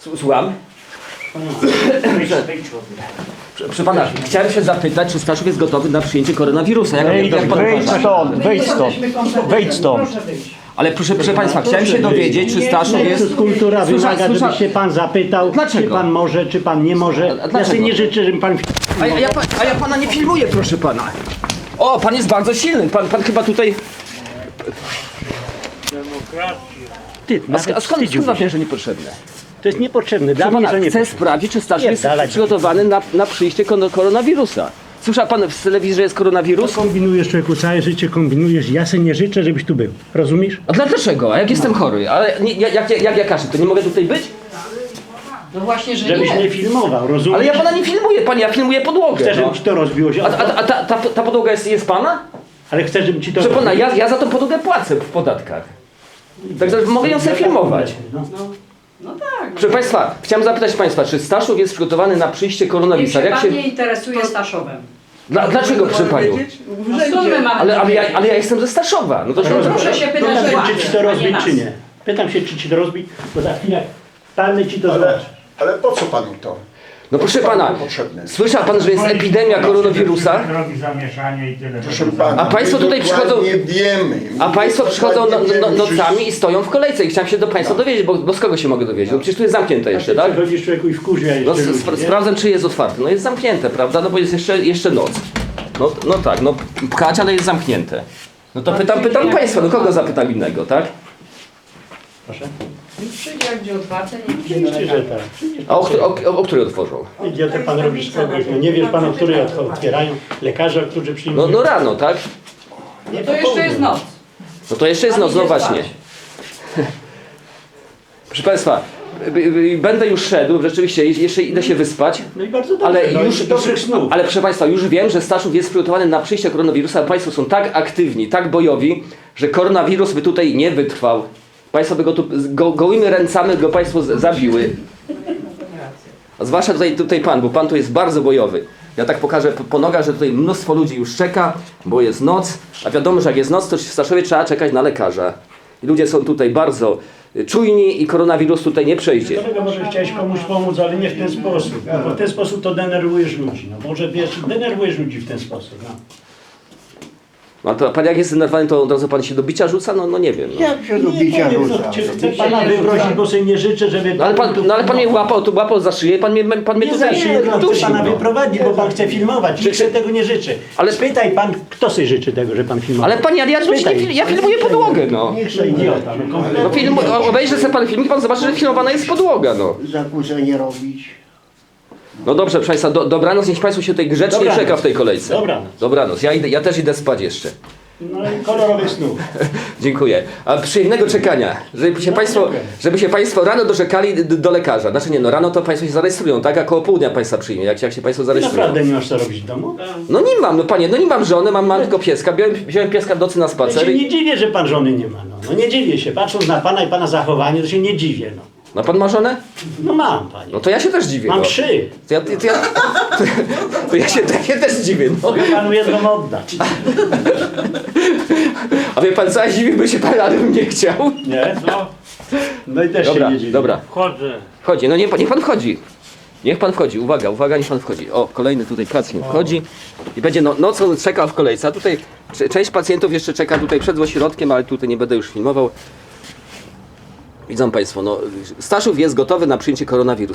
Słucham? Proszę pana, chciałem się zapytać, czy Staszów jest gotowy na przyjęcie koronawirusa. Jak pan uważa? Wejdź stąd. Ale proszę państwa, chciałem się dowiedzieć, czy Staszów jest... Kultura wymaga, żeby się pan zapytał, Dlaczego? czy pan może, czy pan nie może. Ja dlaczego? sobie nie życzę, żeby pan... A ja pana nie filmuję, proszę pana. O, pan jest bardzo silny. Pan chyba tutaj... Ty, A skąd pan wie, że niepotrzebne? To jest niepotrzebne. Dla Proszę mnie pana, to nie chcę sprawdzić, czy Staszów jest dalej. przygotowany na przyjście koronawirusa. Słyszał pan w telewizji, że jest koronawirus? Kombinujesz, człowieku, całe życie kombinujesz. Ja sobie nie życzę, żebyś tu był. Rozumiesz? A dlaczego? A jak jestem chory? Ale jak ja każdy, to nie mogę tutaj być? No właśnie, że Żebyś nie. nie filmował, rozumiesz? Ale ja pana nie filmuję, panie, ja filmuję podłogę. Chcę, żeby No. ci to rozbiło się. A ta podłoga jest pana? Ale chcę, żeby ci to Proszę pana, ja za tą podłogę płacę w podatkach. Także mogę ją sobie filmować. No tak. Proszę państwa, chciałem zapytać państwa, czy Staszów jest przygotowany na przyjście Niech koronawirusa? się Jak pan się... nie interesuje Staszowem. Dlaczego, proszę panią? No skąd my mamy Ale ja jestem ze Staszowa. No to proszę się pytać Pytam się, władzy, czy ci to a nie rozbić, nas. czy nie. Pytam się, czy ci to rozbić, bo za chwilę palmy ci to zobaczy. Ale po co panu to? No proszę pana, Potrzebne. słyszał pan, że jest epidemia koronawirusa? Robi zamieszanie i tyle. Proszę pana, A państwo my tutaj przychodzą- dokładnie wiemy. A państwo przychodzą Dokładnie wiemy, nocami i stoją w kolejce i chciałem się do państwa dowiedzieć, bo z kogo się mogę dowiedzieć? No przecież tu jest zamknięte jeszcze, tak? Chodzisz, człowieku, i wkurwia No jeszcze ludzi, nie? sprawdzam, czy jest otwarte. No jest zamknięte, prawda? No bo jest jeszcze noc. No tak, no pchać, ale jest zamknięte. No to pytam państwa, no kogo zapytam innego, tak? Proszę. Przyjdzie, jak będzie otwarte, nie Oczywiście, że tak. A o której otworzą? Idiotę pan robi z kogoś. No nie wiesz pan, o której otwierają. Lekarze, którzy przyjmują. No rano, tak? Nie, to jeszcze jest noc. No to jeszcze jest noc, no właśnie. Proszę państwa, będę już szedł, rzeczywiście, jeszcze idę się wyspać. No i bardzo dobrze. Ale no już, i dobrych snów. ale proszę państwa, już wiem, że Staszów jest przygotowany na przyjście koronawirusa, a państwo są tak aktywni, tak bojowi, że koronawirus by tutaj nie wytrwał. Państwo by go tu gołymi ręcami go państwo zabiły. A zwłaszcza tutaj pan, bo pan tu jest bardzo bojowy. Ja tak pokażę po nogach, że tutaj mnóstwo ludzi już czeka, bo jest noc, a wiadomo, że jak jest noc, to w Staszowie trzeba czekać na lekarza. I ludzie są tutaj bardzo czujni i koronawirus tutaj nie przejdzie. Dlatego może chciałeś komuś pomóc, ale nie w ten sposób. No, bo w ten sposób to denerwujesz ludzi. No może wiesz, denerwujesz ludzi w ten sposób. No. No to pan jak jest zdenerwowany, to od razu pan się do bicia rzuca? No nie wiem. No. Jak się do bicia powiem, rzuca? Chcę pana wyprosić, bo sobie nie życzę, żeby... No ale pan mnie łapał za szyję, pan mnie Nie tu za szyję, no, chcę dusił. pana No. wyprowadzić, bo pan chce filmować. Nikt sobie tego nie życzy. Ale- Ale spytaj pan, kto sobie życzy tego, że pan filmował. Ale panie, ja filmuję podłogę, no. Niech się idiota. No obejrzy sobie pan filmik, pan zobaczy, że filmowana jest podłoga, no. Zakłócenie robić. No dobrze, proszę państwa, dobranoc, niech państwo się tutaj grzecznie Dobranoc. czeka w tej kolejce. Dobranoc. Dobranoc, ja też idę spać jeszcze. No i kolorowych snów. Dziękuję. A przyjemnego czekania, żeby się państwo rano doczekali do lekarza. Znaczy nie, no rano to państwo się zarejestrują, tak? A koło południa państwa przyjmie, jak się państwo zarejestrują. Naprawdę nie masz co robić w domu? No nie mam, no panie, no nie mam żony, mam tylko pieska. Wziąłem pieska w nocy na Ja spacer się i... nie dziwię, że pan żony nie ma. No nie dziwię się. Patrząc na pana i pana zachowanie, to się nie dziwię. No, No pan ma żonę? no mam, panie. No to ja się też dziwię. Mam no. 3. To ja się też dziwię, no. Mogę panu jedną oddać. A wie pan co, ja dziwiłbym się pan, ale bym nie chciał. Nie? No, No i też Dobra, się nie dziwię. dobra. wchodzę. Wchodzi, no niech pan wchodzi. Niech pan wchodzi, uwaga, niech pan wchodzi. O, kolejny tutaj pacjent wchodzi i będzie nocą czekał w kolejce. A tutaj część pacjentów jeszcze czeka tutaj przed ośrodkiem, ale tutaj nie będę już filmował. Widzą państwo, no Staszów jest gotowy na przyjęcie koronawirusa.